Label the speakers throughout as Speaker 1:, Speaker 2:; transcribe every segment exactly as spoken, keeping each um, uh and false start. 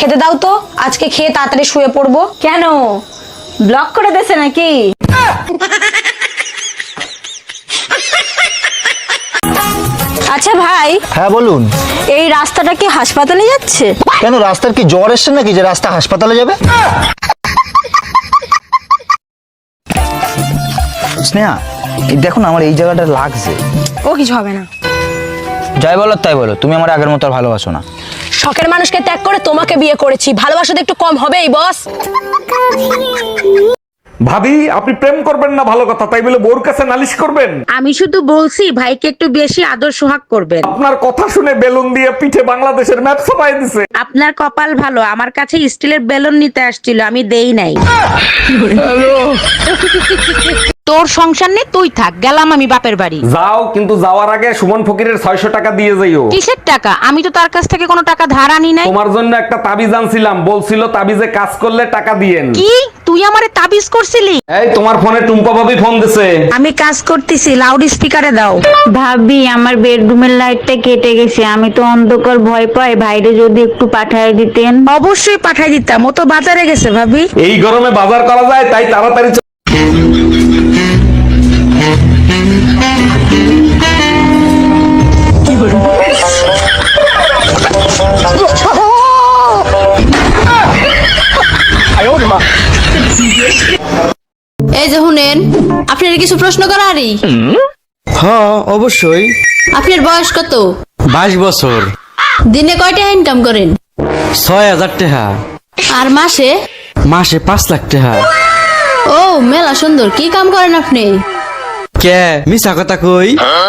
Speaker 1: খেতে দাও তো, আজকে খেয়ে তাড়াতাড়ি শুয়ে পড়বো।
Speaker 2: কেন ব্লক করে দেছে নাকি? আচ্ছা ভাই।
Speaker 3: হ্যাঁ বলুন।
Speaker 2: এই রাস্তাটা কি হাসপাতালে যাচ্ছে?
Speaker 3: কেন, রাস্তার কি জ্বর এসছে নাকি যে রাস্তা হাসপাতালে যাবে? স্নেহা, এই দেখো না আমার এই জায়গাটা লাগছে।
Speaker 1: ও কিছু হবে না।
Speaker 3: যাই বলো তাই বলো, তুমি আমার আগের মতো আর ভালোবাসো না।
Speaker 1: শখের মানুষকে ত্যাগ করে তোমাকে বিয়ে করেছি, ভালোবাসা তো একটু কম হবেই বস।
Speaker 4: ভাবি, আপনি প্রেম করবেন না ভালো কথা, তাই বলে বোর কাছে নালিশ করবেন?
Speaker 5: আমি শুধু বলছি ভাইকে একটু বেশি আদর সোহাগ করবেন।
Speaker 4: আপনার কথা শুনে বেলুন দিয়ে পিঠে বাংলাদেশের ম্যাপ ছাপাই দিছে।
Speaker 5: আপনার কপাল ভালো, আমার কাছে স্টিলের বেলুন নিতে আসছিল, আমি দেই নাই। তোর সংসার নেই, তুই থাক, গেলাম আমি বাপের বাড়ি।
Speaker 4: যাও, কিন্তু যাওয়ার আগে সুমন ফকিরের ছয়শো টাকা দিয়ে যাইও।
Speaker 5: কিসের টাকা? আমি তো তার কাছ থেকে কোনো টাকা ধার আনি নাই।
Speaker 4: তোমার জন্য একটা তাবিজ আনছিলাম, বলছিল তাবিজে কাজ করলে টাকা দিয়েন।
Speaker 5: কি তুই আমারে তাবিজ করছিলি?
Speaker 4: এই তোমার ফোনে টুম্পা ভাবি ফোন দিছে।
Speaker 5: আমি কাজ করতেছি, লাউড স্পিকারে দাও।
Speaker 6: ভাবি আমার বেডরুমের লাইটটা কেটে গেছে, আমি তো অন্ধকার ভয় পাই, ভাইরে যদি একটু পাঠায় দিতেন।
Speaker 5: অবশ্যই পাঠাই দিতাম, ও তো বাজারে গেছে ভাবি।
Speaker 4: এই গরমে বাজার করা যায়, তাই তাড়াতাড়ি চ-
Speaker 7: এই যে শুনেন, আপনার কিছু প্রশ্ন করারই।
Speaker 8: হ্যাঁ অবশ্যই।
Speaker 7: আপনার বয়স কত?
Speaker 8: বাইশ বছর।
Speaker 7: দিনে কয়টা ইনকাম করেন?
Speaker 8: ছয় হাজার টাকা।
Speaker 7: আর মাসে?
Speaker 8: মাসে পাঁচ লাখ টাকা।
Speaker 7: ও মেলা সুন্দর, কি কাম করেন আপনি?
Speaker 8: কে মিছা কথা কই?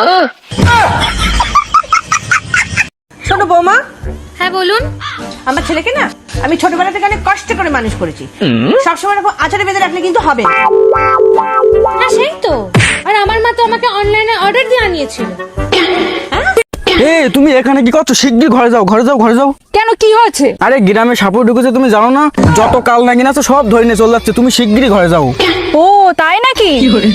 Speaker 2: শোনো বৌমা।
Speaker 7: হ্যাঁ বলুন।
Speaker 2: আমার ছেলেকে না আমি ছোটবেলা থেকে অনেক কষ্ট করে মানুষ করেছি, সবসময় এরকম আচারে বেঁধে রাখলে কিন্তু হবে না।
Speaker 9: হ্যাঁ সেই তো, আর আমার মা তো আমাকে অনলাইনে অর্ডার দিয়ে আনিয়েছিল।
Speaker 8: এ তুমি এখানে কি করছো? শিগগির ঘরে যাও, ঘরে যাও, ঘরে যাও।
Speaker 9: কেন, কি হয়েছে?
Speaker 8: আরে গ্রামে সাপুর ঢুকেছে, তুমি জানো না? যত কাল নাকি না সব ধরে নিয়ে চলে যাচ্ছে, তুমি শিগগিরই ঘরে যাও।
Speaker 9: ও তাই নাকি?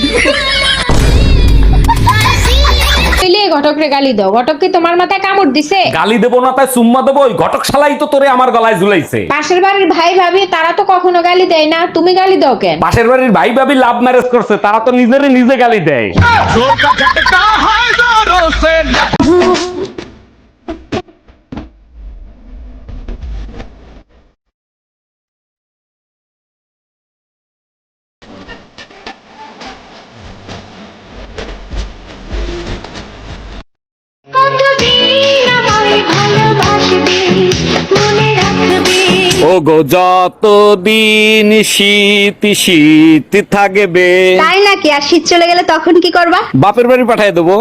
Speaker 9: ঘটকরে গালি দাও, ঘটক কি তোমার মাথায় কামড় দিছে?
Speaker 4: গালি দেবো না তাই চুম্মা দেবো? ওই ঘটক শালাই তো তোরে আমার গলায় ঝুলাইছে।
Speaker 9: পাশের বাড়ির ভাই ভাবি তারা তো কখনো গালি দেয় না, তুমি গালি দাও কেন?
Speaker 4: পাশের বাড়ির ভাই ভাবি লাভ ম্যারেজ করছে, তারা তো নিজেরে নিজে গালি দেয়। ও গো যতদিন শীত শীত থাকবে।
Speaker 6: তাই নাকি? আর শীত চলে গেলে তখন কি করবা?
Speaker 4: বাপের বাড়ি পাঠিয়ে দেবো।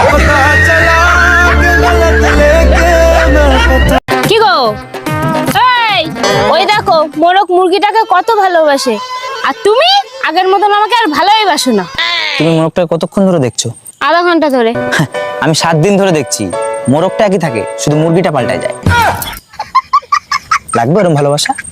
Speaker 9: কি গো, এই ওই দেখো মোরক মুরগিটাকে কত ভালোবাসে, আর তুমি আগের মতন আমাকে আর ভালোই বাসো না।
Speaker 3: তুমি মোরগটা কতক্ষণ ধরে দেখছো?
Speaker 9: আধা ঘন্টা ধরে।
Speaker 3: আমি সাত দিন ধরে দেখছি, মোরগটা একই থাকে, শুধু মুরগিটা পাল্টায় যায়। লাগবে ওরকম ভালোবাসা?